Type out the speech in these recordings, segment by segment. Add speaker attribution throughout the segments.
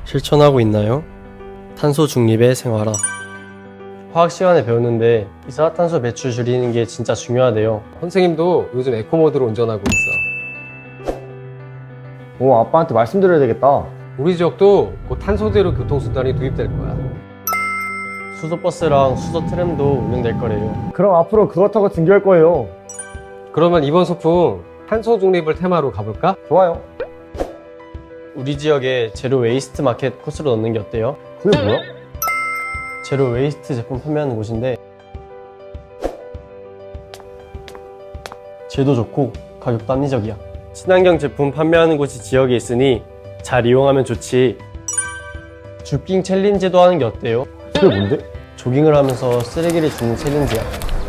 Speaker 1: 실천하고 있나요? 탄소 중립의 생활화. 화학 시간에 배웠는데 이산화탄소 배출 줄이는 게 진짜 중요하대요.
Speaker 2: 선생님도 요즘 에코모드로 운전하고 있어.
Speaker 3: 오, 아빠한테 말씀드려야 되겠다.
Speaker 2: 우리 지역도 곧 탄소제로 교통수단이 도입될 거야.
Speaker 1: 수소버스랑 수소트램도 운영될 거래요.
Speaker 3: 그럼 앞으로 그거 타고 등교할 거예요.
Speaker 2: 그러면 이번 소풍 탄소 중립을 테마로 가볼까?
Speaker 3: 좋아요.
Speaker 1: 우리 지역에 제로 웨이스트 마켓 코스로 넣는 게 어때요?
Speaker 3: 그게 뭐야?
Speaker 1: 제로 웨이스트 제품 판매하는 곳인데 질도 좋고 가격도 합리적이야. 친환경 제품 판매하는 곳이 지역에 있으니 잘 이용하면 좋지. 주깅 챌린지도 하는 게 어때요?
Speaker 3: 그게 뭔데?
Speaker 1: 조깅을 하면서 쓰레기를 줍는 챌린지야.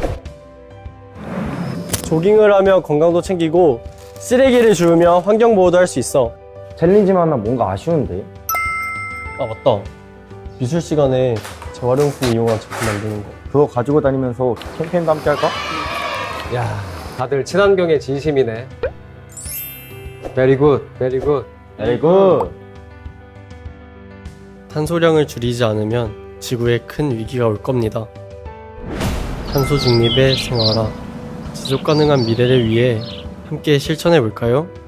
Speaker 1: 조깅을 하며 건강도 챙기고 쓰레기를 주우며 환경보호도 할 수 있어.
Speaker 3: 챌린지만 하면 뭔가 아쉬운데.
Speaker 1: 아 맞다, 미술 시간에 재활용품 이용한 제품 만드는 거.
Speaker 3: 그거 가지고 다니면서 캠페인도 함께 할까?
Speaker 2: 야, 다들 친환경에 진심이네. Very good, very good.
Speaker 3: Very good.
Speaker 1: 탄소량을 줄이지 않으면 지구에 큰 위기가 올 겁니다. 탄소 중립의 생활화, 지속 가능한 미래를 위해 함께 실천해 볼까요?